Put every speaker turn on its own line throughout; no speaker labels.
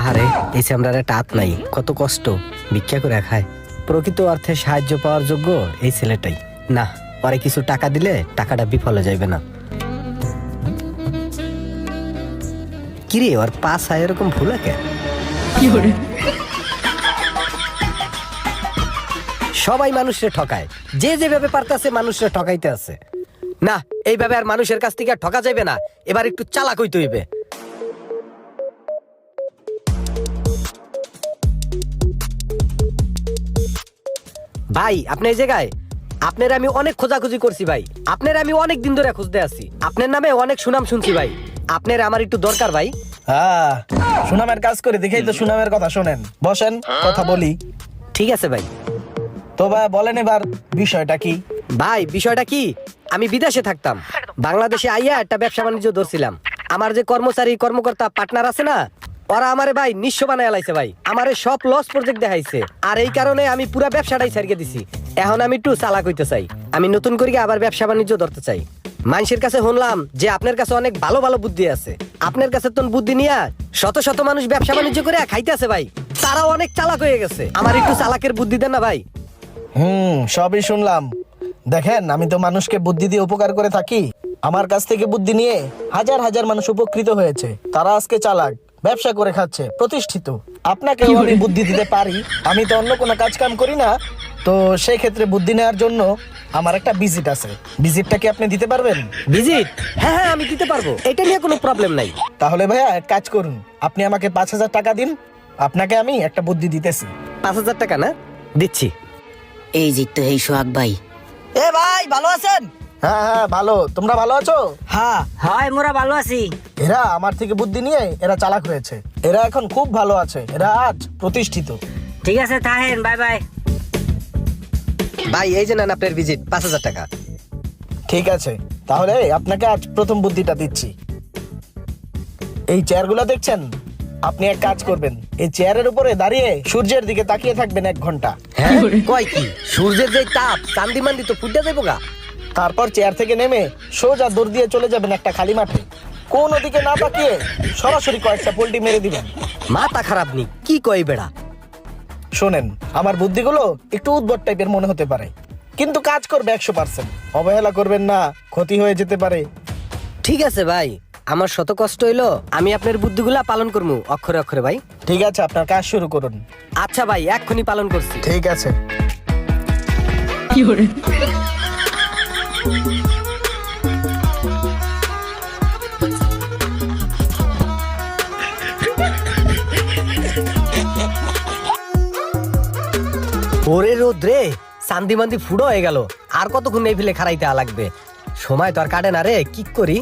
আহারে, এই চামড়ার একটা হাত নাই, কত কষ্ট, ভিক্ষা করে খায়। প্রকৃত অর্থে সাহায্য পাওয়ার যোগ্য এই ছেলেটাই। না, পরে কিছু টাকা দিলে টাকাটা বিফলে যাইবে না। কিরে, ওর পাশ হয় এরকম ভুল কে? সবাই মানুষরে ঠকায়, যে যেভাবে পারতেছে মানুষরে ঠকাইতে আছে। না, এইভাবে আর মানুষের কাছ থেকে আর ঠকা যাবে না, এবার একটু চালাক হইতে হইবে। ভাই, আপনি এই জায়গায়? আপনার আমি অনেক খোঁজাখুঁজি করছি ভাই, আপনার আমি অনেক দিন ধরে খুঁজতে আছি, আপনার নামে অনেক সুনাম শুনছি ভাই, আপনার আমার একটু দরকার ভাই।
হ্যাঁ, সুনামের কাজ করে দেখেই তো সুনামের কথা শোনেন। বসেন, কথা বলি।
ঠিক আছে ভাই।
তো ভাই বলেন এবার বিষয়টা কি?
ভাই, বিষয়টা কি, আমি বিদেশে থাকতাম, বাংলাদেশে আইয়া একটা ব্যবসা বাণিজ্য ধরছিলাম। আমার যে কর্মচারী কর্মকর্তা পার্টনার আছে না, ওরা আমারে ভাই নিঃস্ব বানায় লাইছে ভাই, আমারে সব লস প্রজেক্ট দেখাইছে। আর এই কারণে আমি পুরো ব্যবসাটাই ছাড়িয়ে দিছি। এখন আমি একটু চালাক হইতে চাই, আমি নতুন করে আবার ব্যবসা বাণিজ্য ধরতে চাই। মানুষের কাছে শুনলাম যে আপনার কাছে অনেক ভালো ভালো বুদ্ধি আছে, আপনার কাছে তো বুদ্ধি নিয়ে শত শত মানুষ ব্যবসা বাণিজ্য করে খাইতে আছে ভাই, তারাও অনেক চালাক হয়ে গেছে। আমার একটু চালাকের বুদ্ধি দেন না ভাই।
সবই শুনলাম। দেখেন, আমি তো মানুষকে বুদ্ধি দিয়ে উপকার করে থাকি। আমার কাছ থেকে বুদ্ধি নিয়ে হাজার হাজার মানুষ উপকৃত হয়েছে, তারা আজকে চালাক, ব্যবসা করে খাচ্ছে, প্রতিষ্ঠিত। আপনাকেও আমি বুদ্ধি দিতে পারি, আমি তো অন্য কোনো কাজ কাম করি না। তো সেই ক্ষেত্রে বুদ্ধি নেওয়ার জন্য আমার একটা ভিজিট আছে, ভিজিটটা কি আপনি দিতে পারবেন?
ভিজিট? হ্যাঁ হ্যাঁ, আমি দিতে পারবো, এটা নিয়ে কোনো প্রবলেম নাই।
তাহলে ভাইয়া এক কাজ করুন, আপনি আমাকে 5,000 টাকা দিন, আপনাকে আমি একটা বুদ্ধি দিতেছি।
5,000 টাকা না? দিচ্ছি।
এই যে তো এই সোহাগ ভাই। এ ভাই, ভালো আছেন?
হ্যাঁ হ্যাঁ, ভালো। তোমরা ভালো আছো?
হ্যাঁ হয়, মোরা ভালো আছি।
এরা আমার থেকে বুদ্ধি নিয়ে এরা চালাক হয়েছে, এরা এখন খুব ভালো আছে, এরা আজ প্রতিষ্ঠিত।
ঠিক আছে, থাকেন, বাই বাই।
ভাই, এই যে নেন আপনার ভিজিট, 5,000 টাকা।
ঠিক আছে, তাহলে আপনাকে আজ প্রথম বুদ্ধিটা দিচ্ছি। এই চেয়ারগুলো দেখছেন, আপনি এক কাজ করবেন, এই চেয়ারের উপরে দাঁড়িয়ে সূর্যের দিকে তাকিয়ে থাকবেন 1 ঘন্টা।
হ্যাঁ, কয় কি, সূর্যের যে তাপ, চান্দি মান্দি তো ফুটে যাইব গা।
তারপর চেয়ার থেকে নেমে সোজা দৌড় দিয়ে চলে যাবেন একটা খালি মাঠে, কোন দিকে না তাকিয়ে সরাসরি কয়েকটা পোল্টি মেরে দিবেন।
মাথা খারাপ নি, কি কই বেড়া?
শোনেন, আমার বুদ্ধিগুলো একটু উদ্ভট টাইপের মনে হতে পারে, কিন্তু কাজ করবে 100%। অবহেলা করবেন না, ক্ষতি হয়ে যেতে পারে।
ঠিক আছে ভাই, আমার শত কষ্ট হইলো, আমি আপনার বুদ্ধিগুলা পালন করবো অক্ষরে অক্ষরে ভাই।
ঠিক আছে, আপনার কাজ শুরু করুন।
আচ্ছা ভাই, এক্ষুনি পালন করছি।
ঠিক আছে।
ওরে রোদ্রে, চান্দি মান্দি ফুড়ো হয়ে গেল, আর কতক্ষণ এই ফেলে খারাইতে লাগবে, সময় তো আর কাটে না রে, কি করি?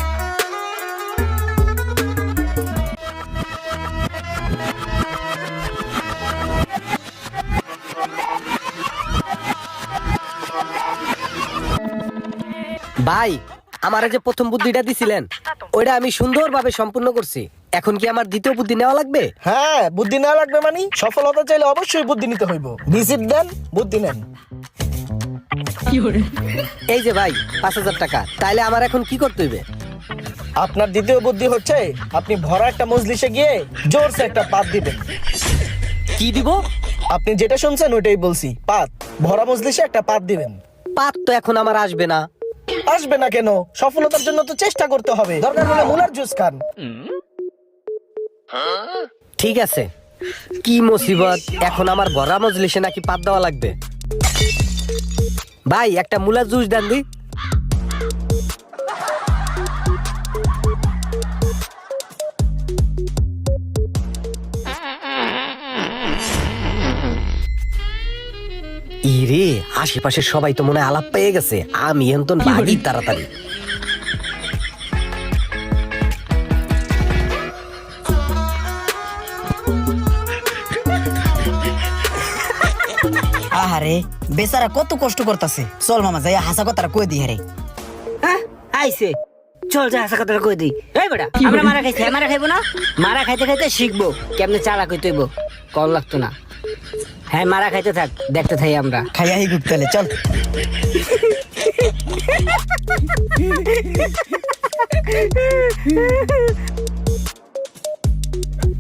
ভাই, আমার যে প্রথম বুদ্ধিটা দিছিলেন, ওইটা আমি সুন্দরভাবে সম্পূর্ণ করছি। এখন কি আমার দ্বিতীয় বুদ্ধি নেওয়া লাগবে?
হ্যাঁ, বুদ্ধি নেওয়া লাগবে, মানে সফল হতে চাইলে অবশ্যই বুদ্ধি নিতে হইব। ভিজিট দেন, বুদ্ধি নেন।
এই যে ভাই, 5,000 টাকা, তাইলে আমার এখন কি করতে হইবে?
আপনার দ্বিতীয় বুদ্ধি হচ্ছে, আপনি ভরা একটা মজলিসে গিয়ে জোরসে একটা পাত দিবেন।
কি দিব?
আপনি যেটা শুনছেন ওইটাই বলছি, পাত। ভরা মজলিসে একটা পাত দিবেন।
পাত তো এখন আমার আসবে না।
আসবে না কেন? সফলতার জন্য তো চেষ্টা করতে হবে, দরকার হলে মুলার জুস খান।
ঠিক আছে, কি মুসিবত, এখন আমার ভরা মজলিসে নাকি পাত দেওয়া লাগবে। ভাই, একটা মুলার জুস দেন দি। ইরে, আশেপাশে সবাই তো মনে হয় আলাপ পেয়ে গেছে, আমি এখন ভাগি তাড়াতাড়ি।
আহারে, বেচারা কত কষ্ট করতেছে। চল মামা, যাই হাসা কথাটা কই দি। হারে আইছে, চল যা হাসা কথাটা কই দি। এই বেটা, আমরা মারা খাইছি, মারা খাইবো না? মারা খাইতে খাইতে শিখবো কেমনে চালাক হইতে হইব, কল লাগতো না। হ্যাঁ, মারা খাইতে থাক, দেখতে থাই আমরা। খাইয়া হি গুপ্তালে, চল।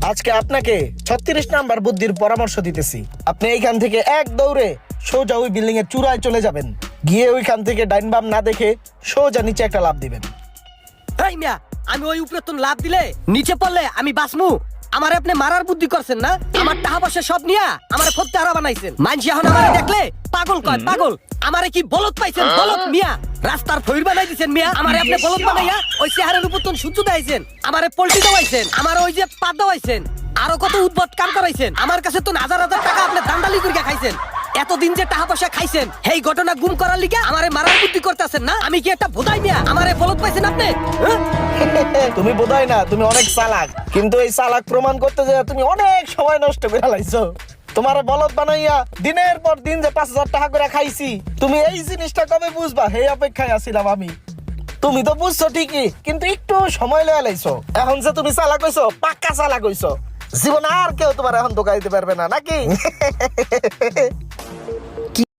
আজকে আপনাকে 36 নাম্বার বুদ্ধির পরামর্শ দিতেছি। আপনি এইখান থেকে এক দৌড়ে সোজা ওই বিল্ডিং এর চূড়ায় চলে যাবেন, গিয়ে ওইখান থেকে ডাইন বাম না দেখে সোজা নিচে একটা লাফ দিবেন।
এই মিয়া, আমি ওই উপরে তো লাভ দিলে নিচে পড়লে আমি বাঁচমু? আমার আপনি মারার বুদ্ধি করছেন না? আমার টাকা পয়সা সব নিয়া আমার ফত্তে হারা বানাইছেন। মানসি এখন আমারে দেখলে পাগল কয় পাগল। আমারে কি বলদ পাইছেন? বলদ মিয়া, রাস্তার ফইর বানাই দিছেন মিয়া। আমারে আপনি বলদ বানাইয়া ওই চেহারার উপর তো সূর্য দাইছেন, আমারে পল্টি দাওয়াইছেন, আমার ওই যে পাত দাওয়াইছেন, আরো কত উদ্ভট কাম করাইছেন। আমার কাছে তো হাজার হাজার টাকা আপনি দান্দালি করে খাইছেন। এতদিন যে টাকা পয়সা খাইছেন এই ঘটনা গুম করার লিগে আমারে মারার বুদ্ধি করতেছেন না? আমি কি একটা ভোদাই মিয়া? আমারে বলদ পাইছেন আপনি? হ্যাঁ?
তুমি বোধহয় না, তুমি অনেক চালাক, কিন্তু এই চালাক প্রমাণ করতে যে তুমি অনেক সময় নষ্ট করে লাইছো। তোমার বলদ বানাইয়া দিনের পর দিন যে 5,000 টাকা করে খাইছি, তুমি এই জিনিসটা কবে বুঝবা সেই অপেক্ষায় আছিলাম আমি। তুমি তো বুঝছো ঠিকই, কিন্তু একটু সময় লয়ে লাইছো। এখন যে তুমি চালাক হইছো, পাক্কা চালাক হইছো। জীবন আর কেউ তোমার এখন ধোকা দিতে পারবে না, নাকি?